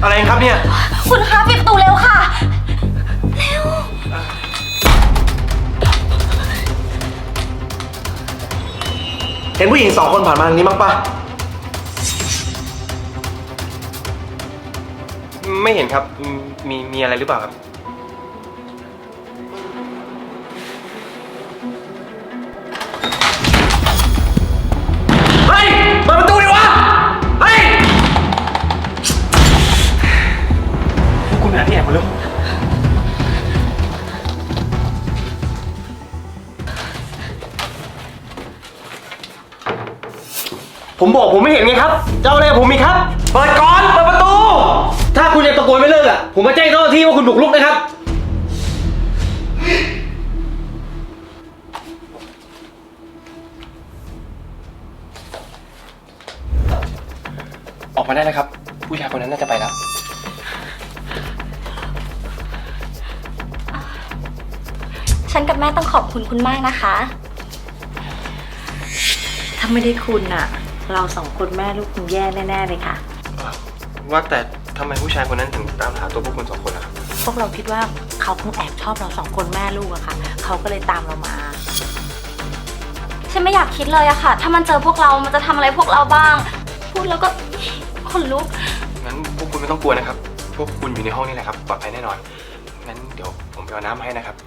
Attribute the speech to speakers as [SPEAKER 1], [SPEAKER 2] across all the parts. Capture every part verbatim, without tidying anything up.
[SPEAKER 1] อะไรครับเนี่ย
[SPEAKER 2] คุณคะปิดประตูเร็วค่ะเร็ว
[SPEAKER 1] เห็นผู้หญิงสองคนผ่านมาทางนี้มั้งปะไม่เห็นครับมีมีอะไรหรือเปล่าครับเฮ้ยเปิดประตูดิวะเฮ้ยพวกคุณหาที่แอบมาเร็วผมบอกผมไม่เห็นไงครับเจ้าอะไรผมมีครับเปิดก่อนเปิดประตูถ้าคุณยังตะโกนไม่เลิกอ่ะผมมาแจ้งเจ้าหน้าที่ว่าคุณบุกรุกนะครับออกมาได้แล้วครับผู้ชายคนนั้นน่าจะไปแล้ว
[SPEAKER 2] ฉันกับแม่ต้องขอบคุณคุณมากนะคะ
[SPEAKER 3] ถ้าไม่ได้คุณน่ะเราสองคนแม่ลูกคงแย่แน่ๆเลยค่ะ
[SPEAKER 1] ว่าแต่ทำไมผู้ชายคนนั้นถึงตามหาตัวพวกคุณสองคนล่ะครับ
[SPEAKER 3] พวกเราคิดว่าเขาคงแอบชอบเราสองคนแม่ลูกอะค่ะเขาก็เลยตามเรามา
[SPEAKER 2] ฉันไม่อยากคิดเลยอะค่ะถ้ามันเจอพวกเรามันจะทำอะไรพวกเราบ้างพูดแล้วก็ขนลุก
[SPEAKER 1] งั้นพวกคุณไม่ต้องกลัวนะครับพวกคุณอยู่ในห้องนี่แหละครับปลอดภัยแน่นอนงั้นเดี๋ยวผมไปเอาน้ำให้นะครับ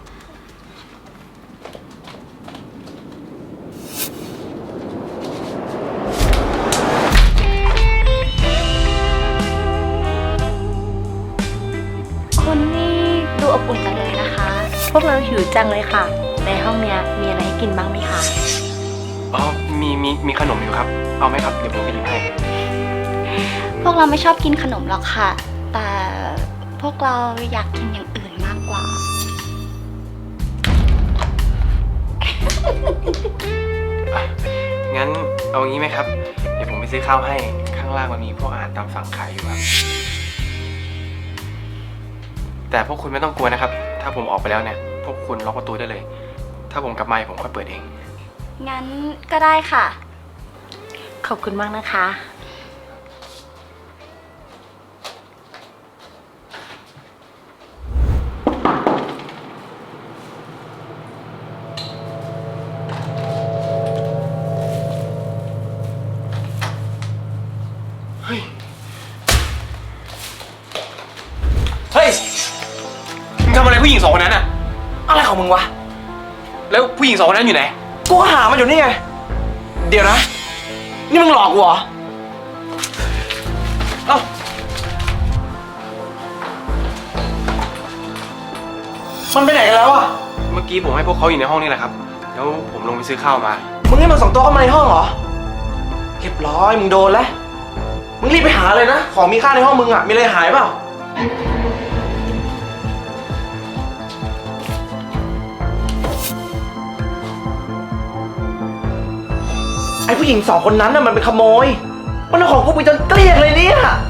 [SPEAKER 2] คุณนี่ดูอบอุ่นจังเลยนะคะ
[SPEAKER 3] พวกเราหิวจังเลยค่ะในห้องเนี้ยมีอะไรให้กินบ้างไหมคะ
[SPEAKER 1] อ๋อมีมีมีขนมอยู่ครับเอาไหมครับเดี๋ยวผมไปหยิบให้
[SPEAKER 2] พวกเราไม่ชอบกินขนมหรอกค่ะแต่พวกเราอยากกินอย่างอื่นมากกว่า
[SPEAKER 1] งั้นเอางี้ไหมครับเดี๋ยวผมไปซื้อข้าวให้ข้างล่างมันมีพวกอาหารตามสั่งขายอยู่ครับแต่พวกคุณไม่ต้องกลัวนะครับถ้าผมออกไปแล้วเนี่ยพวกคุณล็อกประตูได้เลยถ้าผมกลับมาผมค่อยเปิดเอง
[SPEAKER 2] งั้นก็ได้ค่ะ
[SPEAKER 3] ขอบคุณมากนะคะ
[SPEAKER 1] เฮ้ยเฮ้ยมึงทำอะไรผู้หญิงสองคนนั้นอะอะไรของมึงวะแล้วผู้หญิงสองคนนั้นอยู่ไหนกูหามันอยู่นี่ไงเดี๋ยวนะนี่มึงหลอกกูเหรอเอ้ามันไปไหนกันแล้วอะเมื่อกี้ผมให้พวกเขาอยู่ในห้องนี่แหละครับแล้วผมลงไปซื้อข้าวมามึงให้มันสองตัวเข้ามาในห้องเหรอเรียบร้อยมึงโดนแล้วมึงรีบไปหาเลยนะของมีค่าในห้องมึงอะมีอะไรหายเปล่าไอ้ผู้หญิงสองคนนั้นน่ะมันเป็นขโมยมันเอาของกูไปจนเกลี้ยงเลยเนี่ย